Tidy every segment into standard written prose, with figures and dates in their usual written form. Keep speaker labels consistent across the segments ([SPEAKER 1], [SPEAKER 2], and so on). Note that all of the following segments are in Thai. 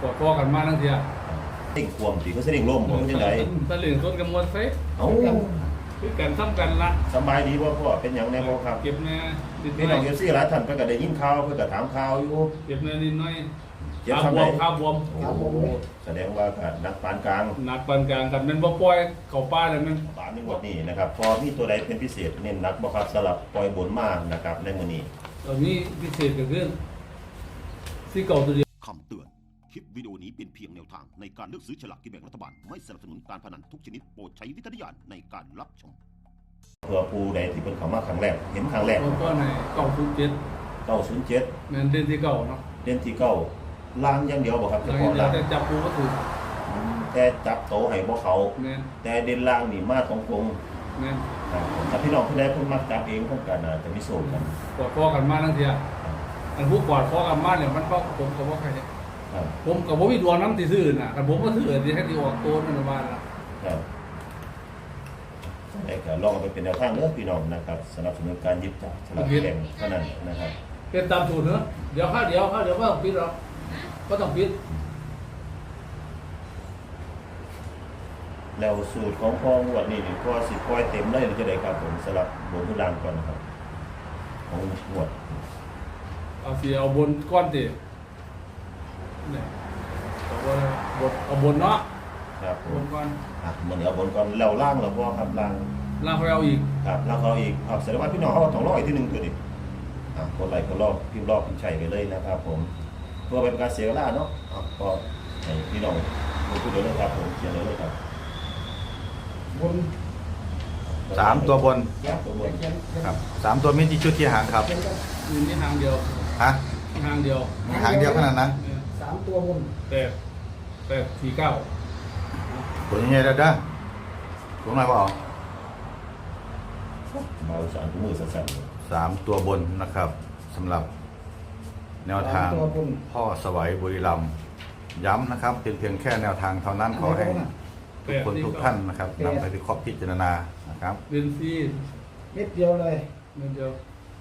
[SPEAKER 1] กอดคอกันมาทั้งเทีย
[SPEAKER 2] เด้งความสิเขาเด้งล่มบ่จังได๋
[SPEAKER 1] ตะลึงต้นกำมวลไฟ
[SPEAKER 2] เอ้า
[SPEAKER 1] คือกันซ้ำกันละ
[SPEAKER 2] สบายดีบ่พ่อเป็นหยังแน่บ่ครับ
[SPEAKER 1] เก็บแน่นิดห
[SPEAKER 2] พี่น้อง FC หลายท่านเพิ่นก็ได้ยินข่าวเพิ่นก็ถามข่าวอยู่
[SPEAKER 1] เก็บแน่นิดหน่อย
[SPEAKER 2] เจ็บทำได
[SPEAKER 1] ข้าวบวม
[SPEAKER 2] แสดงว่าก็นักปานกลาง
[SPEAKER 1] หนักปานกลางครับมันบ่ปล่อยเข้าป่าแล้วมัน
[SPEAKER 2] บาดในงวดนี้นะครับพอมีตัวใดเป็นพิเศษเน้นหนักบ่ครับสำหรับปล่อยบนมานะครับในมื้อนี้
[SPEAKER 1] ตอนนี้พิเศษก็คือที่เก่าตัวเดียว
[SPEAKER 3] คำเตือนคลิปวิดีโอนี้เป็นเพียงแนวทางในการเลือกซื้อฉลากกินแบ่งรัฐบาลไม่สนับสนุนการพนันทุกชนิดโปรดใช้วิจารณญาณในการรับชม
[SPEAKER 2] เพื่อผู้ใดที่เพิ่นเข้ามาครั้งแรกเห็นครั้งแรก
[SPEAKER 1] ก็ไหน
[SPEAKER 2] 907
[SPEAKER 1] แม่นเด่นที่เก่าเนาะ
[SPEAKER 2] เด่นที่9ล่างอย่างเดียวบ่ครับเฉพาะล่าง
[SPEAKER 1] แต่จับปูก็ถูก
[SPEAKER 2] แต่จับโตให้บ่เขาแต่เด่นล่างนี่มาตรง
[SPEAKER 1] แม่น
[SPEAKER 2] ครับถ้าพี่น้องผู้ใดเพิ่นมักจับเองเพิ่นก็น่าจะมีโชคกัน
[SPEAKER 1] กอดคอกันมาทั้งเทียอันผู้กอดคอกันมาเนี่ยมันก็ผมก็บ่ใครเนี่ยผมก็บ่มีดวงนำสิซื้อน่ะคันผมก็ซื้อสิให้ที่ออกโตนั่นว่าล่ะ
[SPEAKER 2] ครับแต่ก็ลองไปเป็นแนวทางเด้อพี่น้องนะครับสนับสนุนการหยิบจับฉลากแบ่งเท่านั้นนะครับ
[SPEAKER 1] เป็นตามสูตรเนาะเดี๋ยวก็ปิดหรอกก็ต้องปิด
[SPEAKER 2] แล้วสูตรของพ่องวดนี้นี่พ่อสิปล่อยเต็มเลยหรือจะได้ครับผมสำหรับบนทุลางก่อนนะครับของงวด
[SPEAKER 1] เอาสิเอาบนก้อนติเนี่ยเอาบนเนาะ
[SPEAKER 2] ครับ
[SPEAKER 1] บนก่อน
[SPEAKER 2] มันเอาบนก่อนแล้วล่างแล้วพ่อครับล่าง
[SPEAKER 1] เขาเอาอีก
[SPEAKER 2] ครับล่างเขาอีกครับแสดงว่าพี่น้องเขาต้องรออีกทีนึงตัวนี้คนไหลคนรอบพิมพ์รอบพิมพ์ใช่ไปเลยนะครับผมเพื่อเป็นการเสียเวลาเนาะก็ให้พี่น้องพูดเดี๋ยวเลยครับผมเขียนเลยครับ
[SPEAKER 1] บน
[SPEAKER 4] 3 ตัวบนครับ3 ตัวมีที่ชุดที่หางครับ
[SPEAKER 1] มีหางเดียว
[SPEAKER 4] ฮะ
[SPEAKER 1] หางเดียว
[SPEAKER 4] มีหางเดียวขนาดนั้น
[SPEAKER 1] 3 ตัวบนแต่49
[SPEAKER 4] ตัวใหญ่ๆเด้อตรงไหนบ่เอา
[SPEAKER 2] เบาสารมือสั่น
[SPEAKER 4] 3 ตัวบนนะครับสำหรับแนวทางพ่อสวัยบุรีรัมย์ย้ำนะครับเป็นเพียงแค่แนวทางเท่านั้นขอให้ทุกคนทุกท่านนะครับนำไปวิเคราะห์พิจารณานะครับ
[SPEAKER 1] เป็นซี
[SPEAKER 5] เม็ดเดียวเลย
[SPEAKER 1] เม็ดเดียว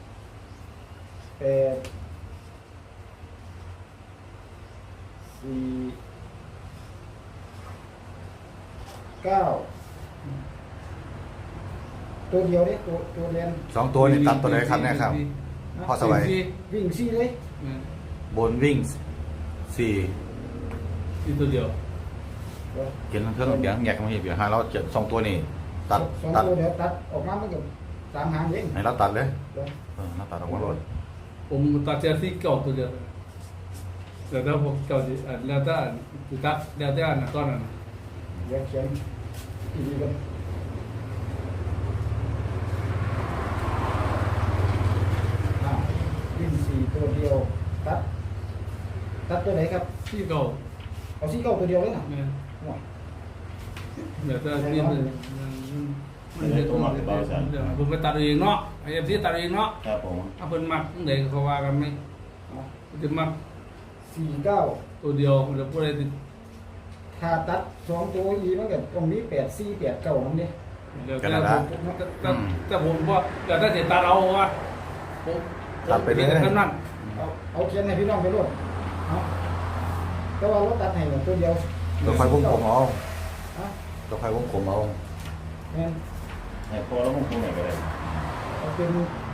[SPEAKER 5] 9ตัวเดียวเด้ตัวเรียน
[SPEAKER 4] 2 ตัวนี่ตัดตัวไหนครับเนี่ยครับพ่อสวัย
[SPEAKER 5] วิ่งซี่เลย
[SPEAKER 4] บนวิ่ง
[SPEAKER 1] 4ตัวเดียว
[SPEAKER 4] เขียนเครื่องเสียงแยกมาให้เดี๋ยวเราจะ2 ตัวนี่ตัด
[SPEAKER 5] 2 ตัวเดี๋ยวตัดออกมามันก็3 หางเอง
[SPEAKER 4] ให้เราตัดเลยเราตัดออกมาเลย
[SPEAKER 1] ผมตัดเจซี่เก่าตัวเดียวแต่ถ้าผมเก่าแล้วถ้าตัดแล้วแต่อันตอนนั้น
[SPEAKER 5] เดี๋ยวเขียนอีกกันวิ่ง4 ตัวเดียวตัดตัวไหนครับ
[SPEAKER 1] ซี่เก่า
[SPEAKER 5] เอาซี่เก่าตัวเดียวเลยนะ
[SPEAKER 1] เดี๋ยวจะเรียนผมไปตัดเองเนาะไอ้เอฟซีตัดเองเนาะ
[SPEAKER 2] ครับผม
[SPEAKER 1] ถ้าเพิ่นมักเด็กเขาว่ากันไหมจะมัก
[SPEAKER 5] 49
[SPEAKER 1] ตัวเดียวเดี๋ยวพูดอะไรติด
[SPEAKER 5] ถ้าตัด2 ตัวอีมันก็ตรงนี้8 4 8 9นั่นเด้
[SPEAKER 1] แต่ผมว่าแต่ถ้าจะตัดเอาว่าผม
[SPEAKER 4] ตัดไปเลย
[SPEAKER 1] นั่น
[SPEAKER 5] เอาเขียนให้พี่น้องไปรวดแต่ว่าเราตัดให้ตัวเดียว
[SPEAKER 4] ตัวไฟวงกลมเอาตัวไฟวงกลมเอา
[SPEAKER 5] งั้น
[SPEAKER 2] พอแล้ววงกลมไหนก็ได้
[SPEAKER 5] เป็น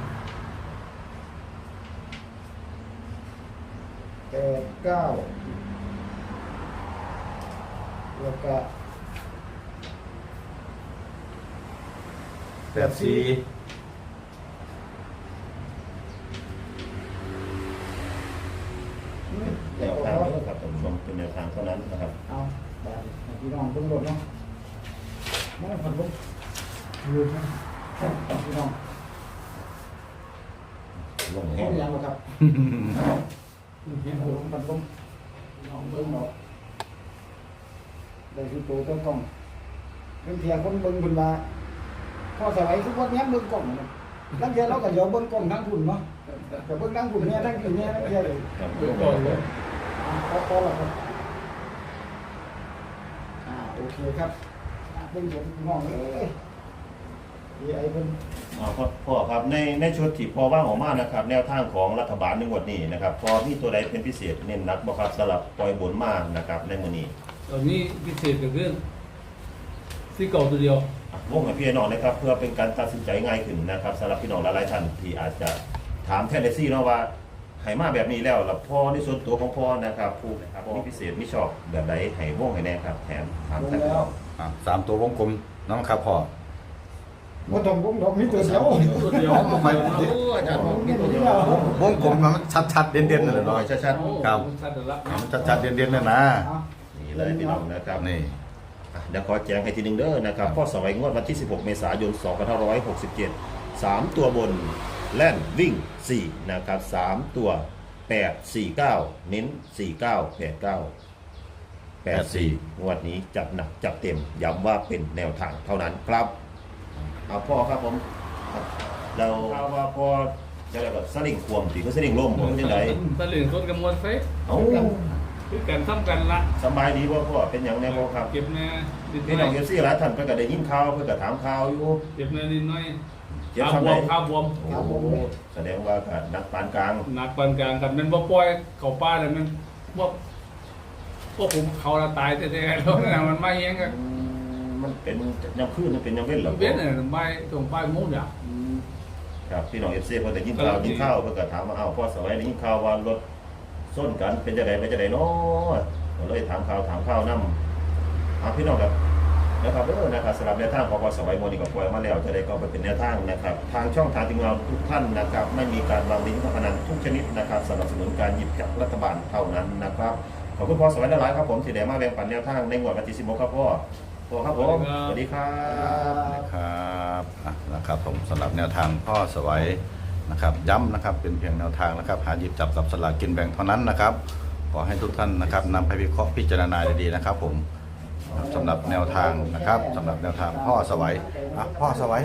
[SPEAKER 5] 9แล้วก็
[SPEAKER 4] 84
[SPEAKER 2] แนวทางนี้ครับท่านผู้ชมเป็นแนวทางเท่านั้นนะครับ
[SPEAKER 5] เอาพี่น้องต้องรถเนาะไม่ต้องผัดลงลืมนะพี่น้อง
[SPEAKER 2] ลงแห้ง
[SPEAKER 5] ยังครับเห็นหัวผัดลงน้องเบิ้งเนาะได้คือตัวต้นกล้องเป็นเพียงคนเบิ้งคนมาพอสมัยทุกวันนี้เบิ้งกล้องนะตั้งแต่เราก็ยอมเบิ้งกล้องทั้งคุณเนาะแต่เบิ้งทั้งคุณเนี่ยทั้งคุณเนี่ยทั้งเพียเลย
[SPEAKER 1] เบิ้งกล้องเลย
[SPEAKER 5] พอแล้วครับโอเคครับเบิ้งผมมองเลย AI เพิ่น
[SPEAKER 2] พ่อครับในชุดที่พ่อว่างออกมานะครับแนวทางของรัฐบาลในงวดนี้นะครับพอมีตัวใดเป็นพิเศษเน้นหนักบ่ครับสำหรับปล่อยบนมานะครับในมื้อนี้
[SPEAKER 1] ตอนนี้พิเศษก็คือที่เก่าตัวเดียว
[SPEAKER 2] วงให้พี่น้องนะครับเพื่อเป็นการตัดสินใจง่ายขึ้นนะครับสำหรับพี่น้องหลายๆท่านที่อาจจะถามแทนเดซี่เนาะว่าให้มาแบบนี้แล้วพ่อในส่วนตัวของพ่อนะครับผู้นะครับมีพิเศษมีชอบแบบใดให้วงให้แน่ครับแถมถามแทนพี่น้อง
[SPEAKER 4] 3 ตัววงกลมน้องครับพ่อ
[SPEAKER 5] บ่ต้องผมดอกมีตัวเดียว
[SPEAKER 1] ตัวเดียว
[SPEAKER 2] อาจารย์บอกมีตัวเดียว
[SPEAKER 4] วงกลมมันชัดๆเด่นๆนั่นแหละ
[SPEAKER 2] น้อ
[SPEAKER 4] เนาะ
[SPEAKER 2] ยชัด
[SPEAKER 4] ครับ
[SPEAKER 1] ชัดแล้ว
[SPEAKER 4] มันชัดๆเด่นๆนั่นนะ
[SPEAKER 2] ๆนี่เลยพี่น้องนะครับ
[SPEAKER 4] นี่
[SPEAKER 2] เดี๋ยวขอแจ้งให้ทีหนึงเด้อนะครับพ่อสวัยงวดวันที่ 16 เมษายน 2567 3 ตัวบนแล่นวิ่ง 4 นะครับ 3 ตัว 8 4 9 เน้น 49 89 84 งวดนี้จัดหนักจัดเต็ม ย้ำว่าเป็นแนวทางเท่านั้นครับ เอาพ่อครับผมเราว่าพ่อจะได้แบบสลิงควมสิคือสลิงล่มผมยังไง
[SPEAKER 1] ตะลึงต้นกำมวลไฟ
[SPEAKER 2] เอ้า
[SPEAKER 1] คือกันทำกันละ
[SPEAKER 2] สบายดีบ่พ่อเป็นอย่างแน่บ่ครับ
[SPEAKER 1] เก็บแน่ดิน
[SPEAKER 2] พี่
[SPEAKER 1] น้
[SPEAKER 2] น้
[SPEAKER 1] อ
[SPEAKER 2] อง
[SPEAKER 1] ย
[SPEAKER 2] เอฟซีหลายท่านเพิ่นก็ได้ยินข่าวเพิ่นก็ถามข่าวอยู่
[SPEAKER 1] เก็บแน่ดินน้อย
[SPEAKER 2] เจ็บ
[SPEAKER 1] ข้าว
[SPEAKER 2] ซ้ำ
[SPEAKER 1] บ
[SPEAKER 2] ใด
[SPEAKER 1] วมข้าวบวม
[SPEAKER 2] โอ้โหแสดงว่าก็นักปานกลาง
[SPEAKER 1] หนักปานกลางกันมันบ่ปล่อยเขาป้าเลยมันพวกผมเขาละตายแท้ๆแล้วนะมันไม่เงี้ยกัน
[SPEAKER 2] มันเป็นยามคืนมันเป็นยามเว้นเหรอ
[SPEAKER 1] เว้นเนี่ยไม่ตรงป้ายมุ้งอย่าง
[SPEAKER 2] ครับพี่น้องเอฟซีเพิ่นได้ยินข่าวยินข่าวเพิ่นก็ถามว่าอ้าวพ่อสวัยได้ยินข่าวว่ารถส้นกันเป็นจังไดเป็นจังไดเนาะก็เลยถามข่าวนำพี่น้องครับนะครับนะครับสำหรับแนวทางของพ่อสวัยโมนี่ก็ปล่อยมาแล้วจะได้ก็ไปเป็นแนวทางนะครับทางช่องทางทีมงานทุกท่านนะครับไม่มีการวางลิงก์การพนันทุกชนิดนะครับสนับสนุนการหยิบจับรัฐบาลเท่านั้นนะครับขอบคุณพ่อสวัยหลายๆครับผมที่ได้มาแบ่งปันแนวทางในงวดวันที่16ครับพ่อครับผมสวัสดีครับ
[SPEAKER 4] ครับนะครับผมสำหรับแนวทางพ่อสวัยนะครับย้ำนะครับเป็นเพียงแนวทางนะครับหาหยิบจับกับสลากกินแบ่งเท่านั้นนะครับขอให้ทุกท่านนะครับนำไปวิเคราะห์พิจารณาดีๆนะครับผมสำหรับแนวทางนะครับสำหรับแนวทางพ่อสวัยพ่อสวัย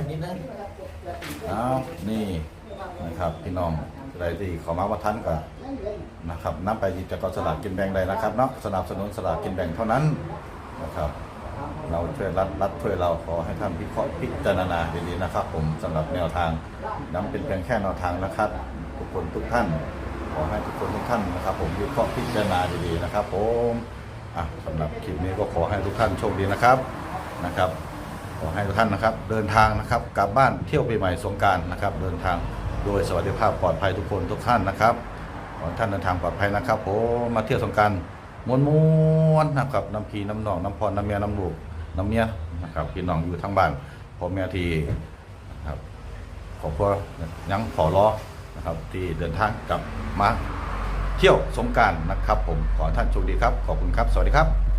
[SPEAKER 4] นี่นะครับพี่น้องใครที่ขอมาว่าท่านก็นะครับนำไปหยิบจับกับสลากกินแบ่งได้นะครับเนาะสนับสนุนสลากกินแบ่งเท่านั้นนะครับเราช่วยรัฐช่วยเราขอให้ท่านวิเคราะห์พิจารณาดีๆนะครับผมสำหรับแนวทางนำเป็นเพียงแค่แนวทางนะครับทุกคนทุกท่านขอให้ทุกคนทุกท่านนะครับผมวิเคราะห์พิจารณาดีๆนะครับผมสำหรับคลิปนี้ก็ขอให้ทุกท่านโชคดีนะครับขอให้ทุกท่านนะครับเดินทางนะครับกลับบ้านเที่ยวปีใหม่สงกรานต์นะครับเดินทางโดยสวัสดิภาพปลอดภัยทุกคนทุกท่านนะครับขอให้ท่านเดินทางปลอดภัยนะครับผมมาเที่ยวสงกรานต์ม้วนๆนะครับน้ำพีน้ำหนองน้ำพรน้ำเมียน้ำลูกน้ำเมียนะครับพี่น้องอยู่ทั้งบ้านพ่อแม่ที่ครับขอบคุณยังขอร้อนะครับที่เดินทางกลับมาเที่ยวสงกรานต์นะครับผมขอท่านโชคดีครับขอบคุณครับสวัสดีครับ